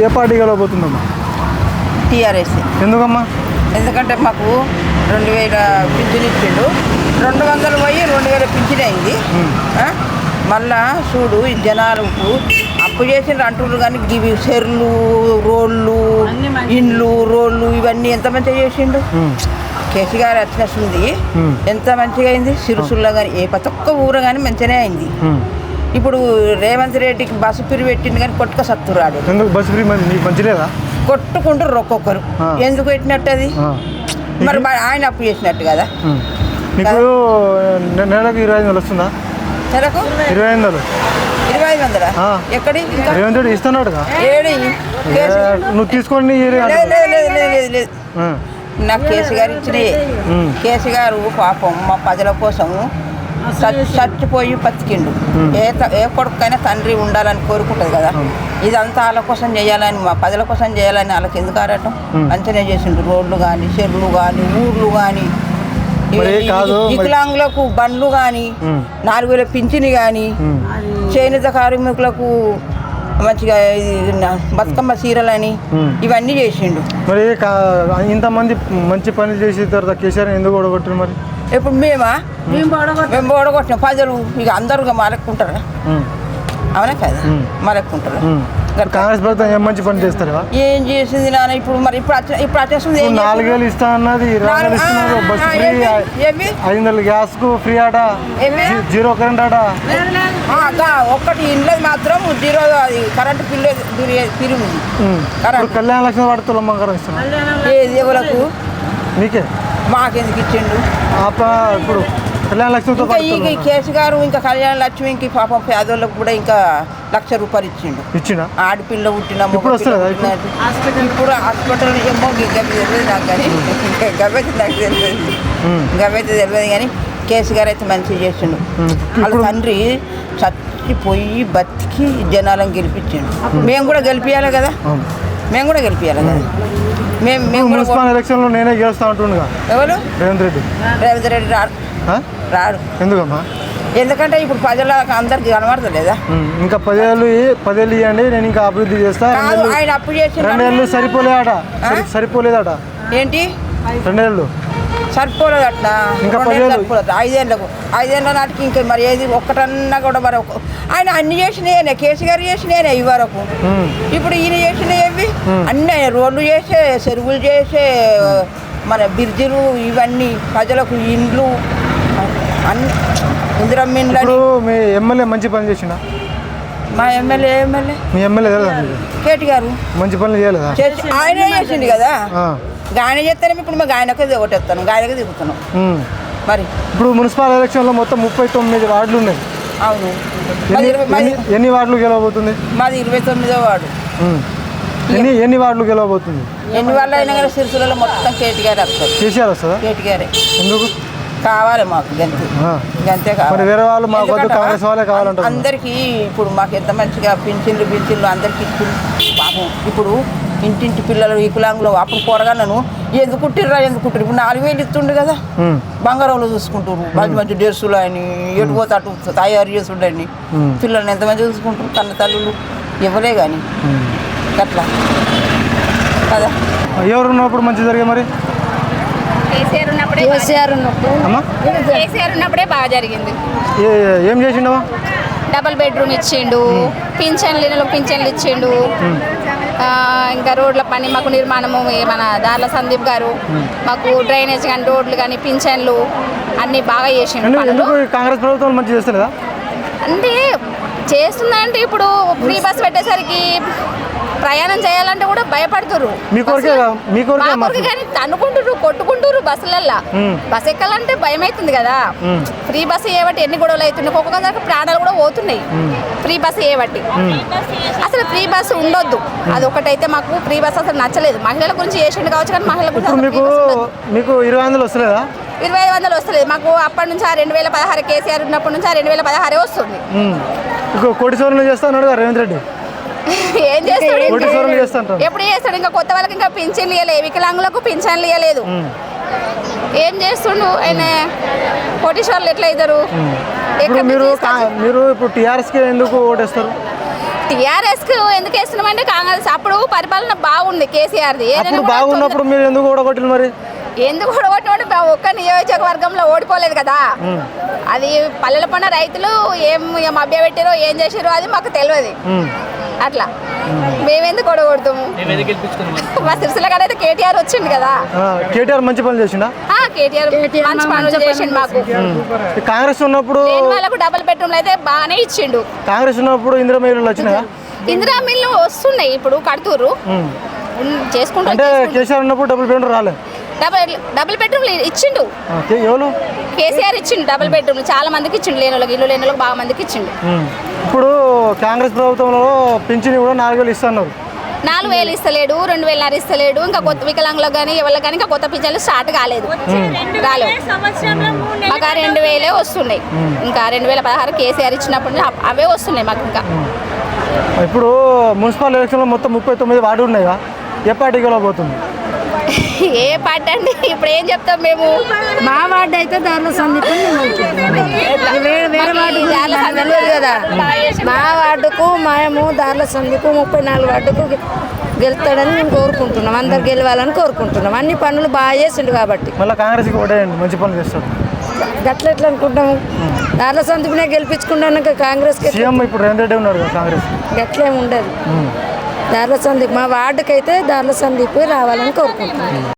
ఏ party గెలవబోతుందమ్మా? TRS. ఎందుకమ్మా? ఎందుకంటే మాకు 2000 పింఛన్ ఇచ్చిండు, 200 పోయి 2000 పింఛన్ అయింది. మళ్ళా చూడు ఈ జనాలకు అప్పు చేసిండ్రు అంటున్నారు కానీ ఇవి చెర్లు, రోడ్లు, ఇండ్లు, రోడ్లు ఇవన్నీ ఎంత మంచిగా చేసిండు. కేసీఆర్ వచ్చినట్టుంది, ఎంత మంచిగా అయింది. సిరుసుల్లో కానీ ప్రతి ఒక్క ఊరు కానీ మంచిగానే అయింది. ఇప్పుడు రేవంత్ రెడ్డికి బస్సు ఫ్రీ పెట్టింది కానీ కొట్టుక సత్తురాడు. ఎందుకు బస్సు ఫ్రీ మంచి లేదా? కొట్టుకుంటారు ఒక్కొక్కరు. ఎందుకు పెట్టినట్టు అది? మరి ఆయన అప్పు చేసినట్టు కదా. మీకు నెలకు 25,000 వస్తుందా? నెలకు 25,000. 25,000 ఎక్కడి? రేవంత్ రెడ్డి ఇస్తున్నాడుగా. ఏడి నువ్వు తీసుకోండి. లేదు, నాకు కేసీఆర్ ఇచ్చినాయి. కేసీఆర్ పాపం మా ప్రజల కోసం చచ్చిపోయి బతికిండు. ఏ కొడుకైనా తండ్రి ఉండాలని కోరుకుంటుంది కదా. ఇదంతా వాళ్ళ కోసం చేయాలని, మా ప్రజల కోసం చేయాలని వాళ్ళకి ఎందుకు ఆడటం? మంచిగానే చేసిండు. రోడ్లు కానీ, చెరువులు కానీ, ఊర్లు కానీ, వికలాంగులకు బండ్లు కానీ, 4,000 పింఛని కానీ, చేనేత కార్మికులకు మంచిగా బతుకమ్మ చీరలని ఇవన్నీ చేసిండు. మరి ఇంతమంది మంచి పనులు చేసిన తర్వాత కేసీఆర్ ఎందుకు ఓడగొట్టారు? మరి ఇప్పుడు మేము ఓడగొట్టినాం. ప్రజలు ఇక అందరూ మరక్కుంటారా? అవునా కదా, మరక్కుంటారు. కాంగ్రెస్ ప్రభుత్వం ఏం మంచి పని చేస్తారా? ఏం చేసింది నాన్న? ఇప్పుడు మరి ఇప్పుడు వచ్చేస్తుంది 4,000 ఇస్తా అన్నది, 20,000 ఇస్తున్నారు. బస్సు ఫ్రీ, 500 గ్యాస్ కు ఫ్రీ ఆట, 0 కరెంట్ ఆట. ఒక్కటి ఇంట్లో మాత్రం 0 అది కరెంటు బిల్లు తిరిగి కళ్యాణ లక్ష్మి వాడు తులమంగారం ఇస్తున్నారు. ఏది ఎవరకు? నీకే. మాకెందుకు ఇచ్చిండు? ఇప్పుడు కళ్యాణ లక్ష్మితో ఈ కేసీఆర్ ఇంకా కళ్యాణ లక్ష్మికి పాపం పేదోళ్ళకు కూడా ఇంకా 1,00,000 రూపాయలు ఇచ్చిండు. ఆడపిల్ల పుట్టిన ఇప్పుడు హాస్పిటల్ ఏమో తెలియదు నాకు, కానీ గవైతే తెలియదు కానీ కేసీఆర్ అయితే మంచిగా చేసిండు. వాళ్ళ తండ్రి చచ్చిపోయి బతికి జనాలను గెలిపించిండు. మేము కూడా గెలిపించాలి కదా. మేము మున్సిపల్ ఎలక్షన్లో నేనే గెలుస్తా ఉంటుండగా. ఎవరు? రేవంత్ రెడ్డి రాడు. ఎందుకమ్మా? ఎందుకంటే ఇప్పుడు ప్రజలకు అందరికి కనబడతలేదా? ఇంకా 10 ఏళ్ళు ఇవ్వండి, నేను ఇంకా అభివృద్ధి చేస్తా. ఆయన అప్పు చేసి 2 ఏళ్ళు సరిపోలేదట. ఏంటి 2 ఏళ్ళు సరిపోలేదట? ఇంకా 5 ఏళ్ళ నాటికి ఇంకా మరి ఏది ఒక్కటన్నా కూడా మరి ఆయన అన్ని చేసినాయనే, కేసీఆర్ చేసినాయనే ఈ వరకు. ఇప్పుడు ఈయన చేసినవి అన్నీ రోడ్లు చేసే, చెరువులు చేసే, మన బ్రిడ్జిలు, ఇవన్నీ ప్రజలకు ఇండ్లు అన్ని ఇందిరమ్మిండ్లు. మీ ఎమ్మెల్యే మంచి పని చేసిన? మా ఎమ్మెల్యే మీ ఎమ్మెల్యే కేటీఆర్ మంచి పనులు చేయలేదా? ఆయనే చేసింది కదా. ఆయన చేస్తానే ఇప్పుడు మేము ఆయనకే ఒకటేస్తాను, ఆయనకే దిగుతున్నాం. మరి ఇప్పుడు మున్సిపల్ ఎలక్షన్లో మొత్తం 39 వార్డులు ఉన్నాయి. అవును. ఎన్ని వార్డులు గెలవబోతుంది? మాది 29వ వార్డు. ఎన్ని వార్డులు గెలవబోతుంది? ఎన్ని వార్డులు అయినా కానీ సిరిసిల్లలో మొత్తం కేటీఆర్ వస్తారు. కేసీఆర్ వస్తుందా? కేటీఆరే. ఎందుకు కావాలి మాకు? గంతే కావాలి. వేరే వాళ్ళు మాకు కాంగ్రెస్ వాళ్ళే కావాలంటారు. అందరికీ ఇప్పుడు మాకు ఎంత మంచిగా పింఛన్లు అందరికీ ఇస్తుంది. పాపం ఇప్పుడు ఇంటింటి పిల్లలు వికలాంగులు అప్పుడు పోరగాను ఎందుకు కుట్టిర్రా ఇప్పుడు 4,000 ఇస్తుండే కదా. బంగారంలో చూసుకుంటారు, మంచి డ్రెస్సులు అని, ఎటు పోతే అటు తయారు చేసుండని పిల్లల్ని ఎంత మంచిగా చూసుకుంటారు. కన్న తల్లులు ఇవ్వలే కానీ అట్లా కదా. ఎవరు ఉన్నప్పుడు మంచి జరిగే? మరి కేసీఆర్ ఉన్నప్పుడే బాగా జరిగింది. ఏం చేసిండవా? డబుల్ బెడ్రూమ్ ఇచ్చిండు, పింఛన్లు ఇచ్చిండు. ఇంకా రోడ్ల పని మాకు నిర్మాణము మన దార్ల సందీప్ గారు మాకు డ్రైనేజ్ కానీ, రోడ్లు కానీ, పింఛన్లు అన్నీ బాగా చేసిండు. కాంగ్రెస్ ప్రభుత్వం మంచి చేస్తలేదా? అంటే చేస్తుందంటే ఇప్పుడు ఫ్రీ బస్ పెట్టేసరికి ప్రయాణం చేయాలంటే కూడా భయపడుతురు. కానీ అనుకుంటురు, కొట్టుకుంటురు బస్సులల్లో. బస్ ఎక్కాలంటే భయం అవుతుంది కదా. ఫ్రీ బస్సు ఏబట్టి ఎన్ని గొడవలు అవుతున్నాయి, ఒక్కొక్క ప్రాణాలు కూడా పోతున్నాయి ఫ్రీ బస్సు ఏబట్టి. అసలు ఫ్రీ బస్సు ఉండొద్దు, అది ఒకటైతే మాకు ఫ్రీ బస్సు అసలు నచ్చలేదు. మహిళల గురించి చేసిండు కావచ్చు కానీ మహిళల గురించి 25,000 వస్తలేదా? 25,000 వస్తలేదు మాకు. అప్పటి నుంచి 2016 కేసీఆర్ ఉన్నప్పటి నుంచి 2016 వస్తుంది. కోటి సోర్లు చేస్తాడు రేవంత్ రెడ్డి. ఏం చేస్తాడు? ఎప్పుడు చేస్తాడు? ఇంకా కొత్త వాళ్ళకి ఇంకా పింఛన్లు ఇవ్వలేదు, వికలాంగులకు పింఛన్లు ఇవ్వలేదు. ఏం చేస్తుండు ఆయన? కోటీశ్వర్లు ఎట్లా అవుతారు? మీరు ఇప్పుడు టీఆర్ఎస్కి ఎందుకు ఓటేస్తారు? టీఆర్ఎస్ కు ఎందుకు వేస్తున్నామంటే కాంగ్రెస్ అప్పుడు పరిపాలన బాగుంది కేసీఆర్ది అప్పుడు బాగున్నప్పుడు మీరు ఎందుకు ఓడగొట్టిన మరి? ఎందుకు ఓడగొట్టినప్పుడు ఒక్క నియోజకవర్గంలో ఓడిపోలేదు కదా. అది పల్లెల పన్న రైతులు ఏం మభ్య పెట్టారో ఏం చేసారో అది మాకు తెలియదు. అట్లా మేమెందుకు ఓడగొడతాము? మా సిరిసిల్ల కాడ అయితే కేటీఆర్ వచ్చిండు కదా. కేటీఆర్ మంచి పనులు చేసిండా? కేటీఆర్ మంచి పనులు చేసిండు మాకు. కాంగ్రెస్ ఉన్నప్పుడు వాళ్ళకు డబుల్ బెడ్రూమ్లు అయితే బాగానే ఇచ్చిండు. కాంగ్రెస్ ఉన్నప్పుడు ఇందిరా మిల్లులు వచ్చినాయా? ఇందిరా మిల్లు వస్తున్నాయి ఇప్పుడు కడుతూరు చేసుకుంటూ. అంటే కేసీఆర్ ఉన్నప్పుడు డబుల్ బెడ్రూమ్ రాలేదు. డబుల్ బెడ్రూమ్ ఇచ్చిండు ఎవరు? కేసీఆర్ ఇచ్చిండు డబుల్ బెడ్రూమ్ చాలా మందికి ఇచ్చిండు. లేని వాళ్ళకి ఇల్లు లేని వాళ్ళకి బాగా మందికి ఇచ్చిండు. ఇప్పుడు కాంగ్రెస్ ప్రభుత్వంలో పింఛన్ కూడా 4,000 ఇస్తున్నారు. 4,000 ఇస్తలేడు, 2,000 ఇస్తలేడు. ఇంకా కొత్త వికలాంగులకు కానీ ఎవరికి కానీ ఇంకా కొత్త పింఛన్లు స్టార్ట్ కాలేదు. మాకు 2,000 వస్తున్నాయి. ఇంకా 2016 కేసీఆర్ ఇచ్చినప్పుడు అవే వస్తున్నాయి మాకు. ఇంకా ఇప్పుడు మున్సిపల్ ఎలక్షన్లో మొత్తం 39 వార్డు ఉన్నాయా? ఏ పార్టీ గెలవబోతుంది? ఏ పార్టీ అండి ఇప్పుడు ఏం చెప్తాం మేము? మా వార్డు అయితే దారిలో సందీప్ వేరే వార్డు కదా. మా వార్డుకు మేము దారిలో సందీప్ 34 వార్డుకు గెలుస్తాడని మేము కోరుకుంటున్నాం. అందరు గెలవాలని కోరుకుంటున్నాం. అన్ని పనులు బాగా చేసిండు కాబట్టి మళ్ళీ కాంగ్రెస్కి ఓటేయండి, మంచి పనులు చేస్తాడు. గట్ల ఎట్లా అనుకుంటాము? దారిలో సందీప్నే గెలిపించుకున్నాక కాంగ్రెస్ సీఎం ఇప్పుడు రేవంత్ రెడ్డి ఉన్నారు కాంగ్రెస్. గట్లేమి ఉండదు. దారిలో సందీప్ మా వార్డుకైతే దారిలో సందీప్ రావాలని కోరుకుంటున్నాం.